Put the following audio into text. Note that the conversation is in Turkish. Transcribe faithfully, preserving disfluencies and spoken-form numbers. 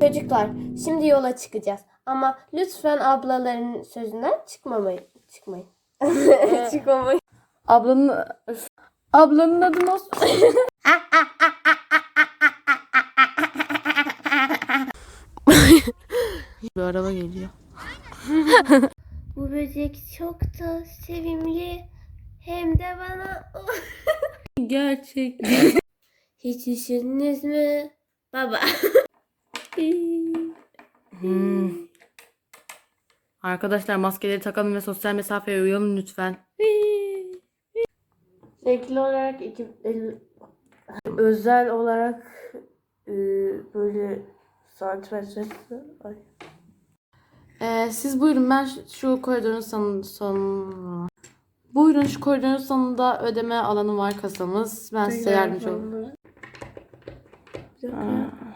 Çocuklar, şimdi yola çıkacağız. Ama lütfen ablaların sözünden çıkmamayın. Çıkmayın. Çıkmamayın. Ablanın Öf. Ablanın adı nasıl? Bir araba geliyor. Bu böcek çok da sevimli. Hem de bana Gerçek. hiç düşündünüz mü? Baba. Hmm. Arkadaşlar maskeleri takalım ve sosyal mesafeye uyalım lütfen. Renkli olarak iki, el- özel olarak e, böyle santimetre. Ay. Ee, siz buyurun, ben şu, şu koridorun son, son... Buyurun, şu koridorun sonunda ödeme alanı var, kasamız. Ben size yardımcı olayım. Bir dakika. Aa.